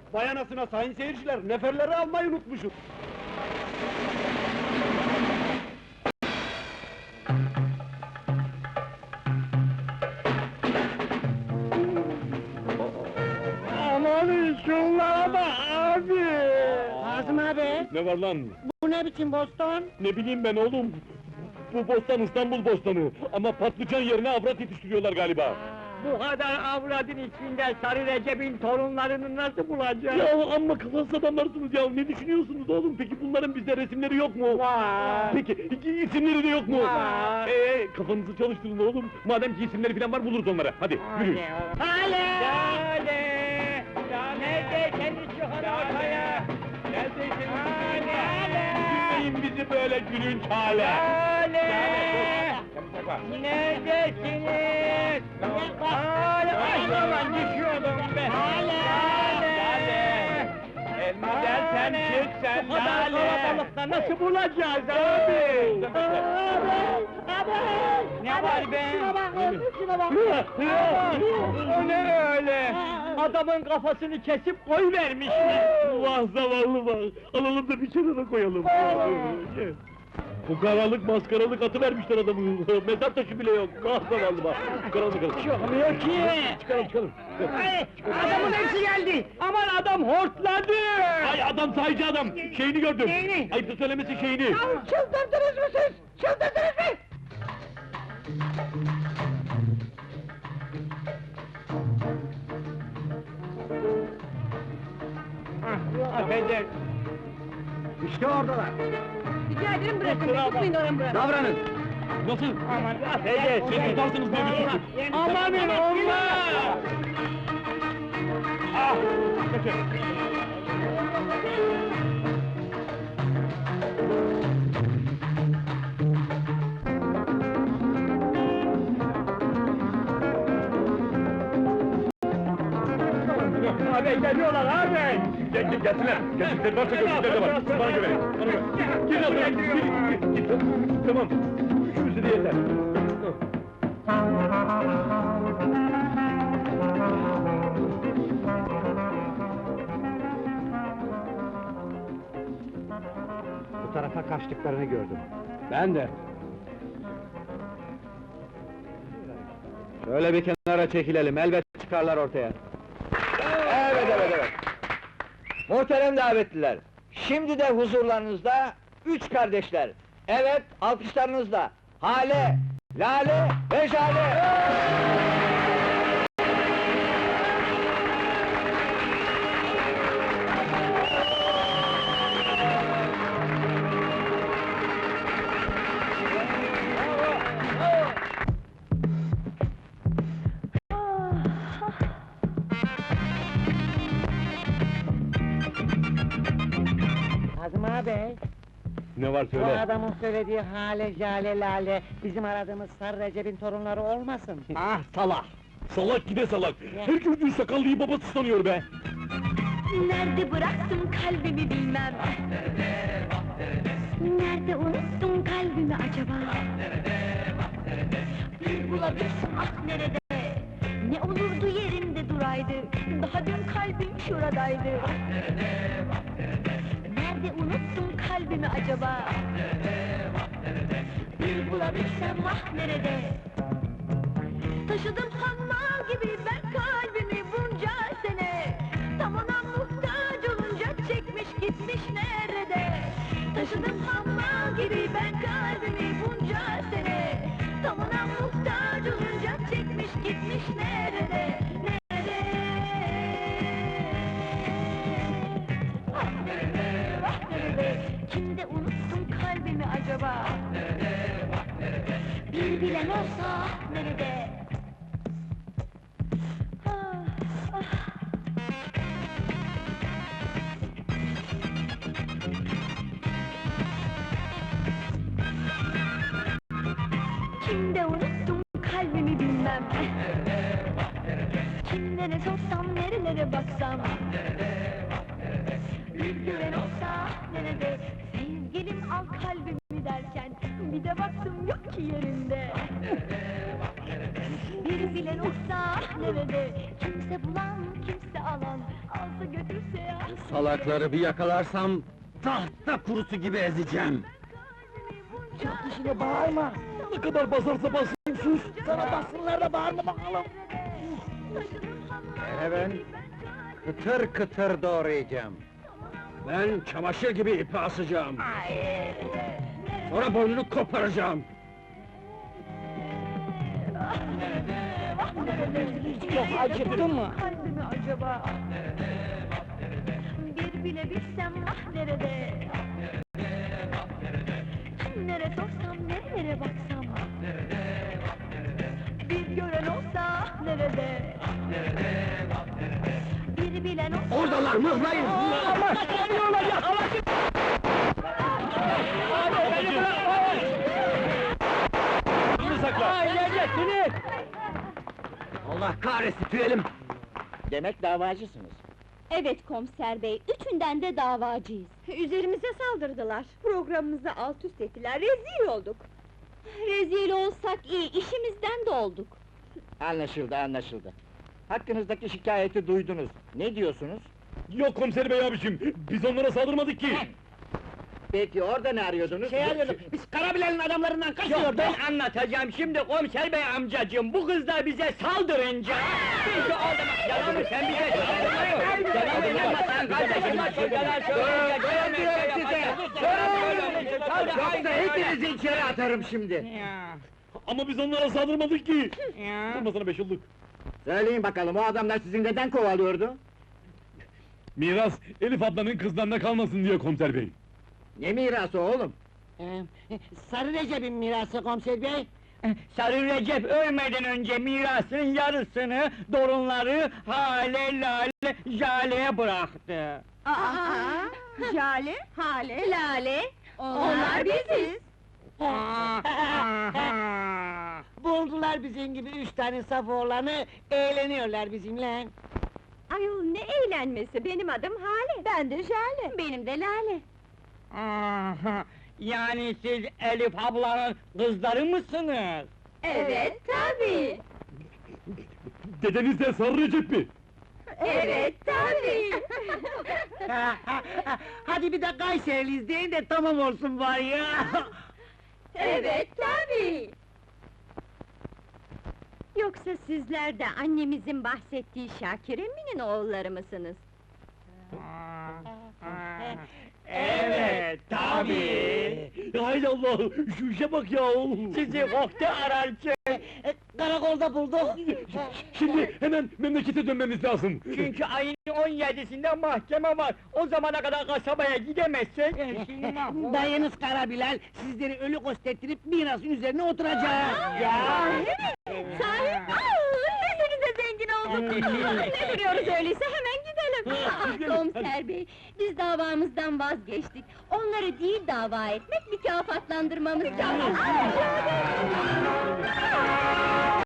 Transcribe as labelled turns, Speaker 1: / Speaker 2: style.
Speaker 1: Vay anasına sayın seyirciler, neferleri almayı unutmuşum. Aman şunlara bak abi!
Speaker 2: Kazım abi,
Speaker 1: Ne var lan?
Speaker 2: bu ne biçim boston?
Speaker 1: Ne bileyim ben oğlum? Bu bostan İstanbul bostanı, ama patlıcan yerine avrat yetiştiriyorlar galiba.
Speaker 3: Bu kadar avradın içinde Sarı Recep'in torunlarını nasıl bulacağız?
Speaker 1: Ya amma kafasız adamlarsınız ya, ne düşünüyorsunuz oğlum? Peki bunların bizde resimleri yok mu?
Speaker 3: Var!
Speaker 1: Peki, isimleri de yok mu?
Speaker 3: Var!
Speaker 1: Kafanızı çalıştırın oğlum! Madem ki isimleri falan var, buluruz onları, hadi yürüyün!
Speaker 3: Hale! Hale! Ya nerede senin şu ortaya? Neredesin? Hale!
Speaker 1: Dinleyin bizi böyle gülünç hale!
Speaker 3: Hale! Neredesiniz? Hale! Ay aman düşüyordum be! Hale! Elma dersen çık sen bu kadar kalabalıkta nasıl bulacağız abi? Ne var be?
Speaker 2: Şuna bak!
Speaker 3: O ne öyle? Adamın kafasını kesip koy vermişler.
Speaker 1: Vah zavallı vah! Alalım da bir kenara koyalım! Bu karalık maskaralık atı vermişler adamı! Mezar taşı bile yok! Vah zavallı vah! Çıkaralım çıkalım!
Speaker 3: Çıkmıyor ki.
Speaker 1: Çıkalım!
Speaker 3: Ay, adamın hepsi geldi. Aman adam hortladı.
Speaker 1: Ay adam sahici adam! Şeyini gördüm!
Speaker 3: Neyini?
Speaker 1: Ayıptır söylemesi şeyini!
Speaker 2: Çıldırdınız mı siz? Çıldırdınız mı?
Speaker 3: Affeder.
Speaker 1: İşte oradalar!
Speaker 2: Rica ederim bırakın,
Speaker 3: Kusura
Speaker 2: tutmayın oranı bırakın.
Speaker 1: Davranın! Nasıl?
Speaker 3: Aman affeder.
Speaker 1: Siz tutarsınız diye düşündük!
Speaker 3: Amanın olmaz.
Speaker 1: Ah! Kaçın!
Speaker 3: Abi geliyorlar abi.
Speaker 1: Gelsinler! Geldikleri varsa gözlükleri de var! Bana göre! Bana göre! Gir lan! Gir! Tamam! Üçümüzü de yeter!
Speaker 4: Bu tarafa kaçtıklarını gördüm.
Speaker 1: Ben de!
Speaker 4: Şöyle bir kenara çekilelim, elbet çıkarlar ortaya. Evet. Muhterem davetliler, şimdi de huzurlarınızda üç kardeşler. Evet, alkışlarınızla Hale, Lale ve Jale!
Speaker 2: Kazım abi,
Speaker 1: Ne var
Speaker 2: bu
Speaker 1: söyle?
Speaker 2: adamın söylediği hale, jale, lale, bizim aradığımız Sarı Recep'in torunları olmasın?
Speaker 1: Ah salak! Salak gide salak! Herkes bir sakallıyı babası sanıyor be!
Speaker 5: Nerede bıraktım kalbimi bilmem. Nerede unuttum kalbimi acaba? Bir bulabilsem ah nerede? Ne olurdu yerinde duraydı. Daha dün kalbim şuradaydı. Nerede unuttum kalbimi acaba? Bir bulabilsem ah nerede? Taşıdım hammal gibi ben kalbimi bunca sene. Tam ona muhtaç olunca çekmiş gitmiş nerede? Taşıdım hammal gibi ben kalbimi bunca sene. Tam ona muhtaç olunca çekmiş gitmiş nerede? Nerede? Ah nerede? Ah nerede? Kimde unuttum kalbimi acaba? Bir bilen olsa ah nerede? Kimde unuttum kalbimi bilmem. Kimlere sorsam nerelere baksam. Bir gören olsa nerede? Sevgilim al kalbimi derken bir de baktım yok ki yerinde. Bir bilen olsa nerede? Kimse bulan kimse alan alsa götürse kimse ya.
Speaker 3: Salakları bir yakalarsam, tahta kurusu gibi ezeceğim.
Speaker 2: Çok dişine bağırma.
Speaker 1: Ne kadar basarsa bassın sus!
Speaker 2: Sana bassınlar da bağırma bakalım.
Speaker 3: Ben kıtır kıtır doğrayacağım. Ben çamaşır gibi ipi asacağım. Sonra boynunu koparacağım.
Speaker 2: Yok acıktı mı?
Speaker 5: Kalbimi acaba? Bir bile bilsem ah nerede? Nere sorsam, nerelere baksam? Bir gören olsa ah nerede? Bir bilen olsa...
Speaker 3: Oradalar, mıhlayın!
Speaker 2: Ama geliyorlar yakalasın!
Speaker 1: Bunu sakla!
Speaker 3: Allah kahretsin, tüyelim!
Speaker 4: Demek davacısınız.
Speaker 6: Evet komiser bey, üçünden de davacıyız. Üzerimize saldırdılar. Programımızı alt üst ettiler, rezil olduk. Rezil olsak iyi, işimizden de olduk.
Speaker 4: Anlaşıldı, anlaşıldı. Hakkınızdaki şikayeti duydunuz. Ne diyorsunuz?
Speaker 1: Yok komiser bey abicim, biz onlara saldırmadık ki!
Speaker 4: Peki orada ne arıyordunuz?
Speaker 2: Şey arıyorum, biz Karabilen'in adamlarından kaçıyorduk.
Speaker 3: Ben anlatacağım şimdi komiser bey amcacığım, bu kızlar bize saldırınca... Biz de orada... Yalan sen bize saldırmıyor! Yalan inanmasan kardeşim, bak yalan söyleyecek,
Speaker 4: Yoksa hepinizi içeri atarım şimdi.
Speaker 1: Ama biz onlara saldırmadık ki! Durmasana 5 yıllık!
Speaker 4: Söyleyin bakalım, o adamlar sizi neden kovalıyordu?
Speaker 1: Miras, Elif ablanın kızlarına kalmasın diye komiser bey!
Speaker 4: Ne mirası oğlum?
Speaker 2: Sarı Recep'in mirası komiser bey.
Speaker 3: Sarı Recep ölmeden önce mirasın yarısını, torunları Hale, Lale, Jale'ye bıraktı.
Speaker 6: Jale, Hale, Lale, onlar biziz.
Speaker 2: Buldular bizim gibi 3 tane saf oğlanı, eğleniyorlar bizimle.
Speaker 6: Ayol ne eğlenmesi, benim adım Hale. Ben de Jale. Benim de Lale.
Speaker 3: Yani siz Elif ablanın kızları mısınız?
Speaker 6: Evet, tabii.
Speaker 1: Dedeniz de Sarı Recep mi?
Speaker 6: Evet, tabii.
Speaker 2: Hadi bir de Kayseriliyiz deyin de tamam olsun bari ya.
Speaker 6: Evet, tabii. Yoksa sizler de annemizin bahsettiği Şakir Emin'in oğulları mısınız?
Speaker 3: Evet, tabii.
Speaker 1: Hay Allah, şu işe bak ya!
Speaker 3: Sizi koktu ararken,
Speaker 2: Karakolda bulduk.
Speaker 1: Şimdi hemen memlekete dönmemiz lazım!
Speaker 3: çünkü ayın 17'sinde mahkeme var. O zamana kadar kasabaya gidemezsek...
Speaker 2: Dayınız Karabilal sizleri ölü kostettirip mirasın üzerine oturacak.
Speaker 6: Sahi? Desenize zengin olduk! Ne duruyoruz öyleyse, hemen gidelim! Komiser bey, biz davamızdan vazgeçtik. Onları değil dava etmek, mükafatlandırmamız lazım.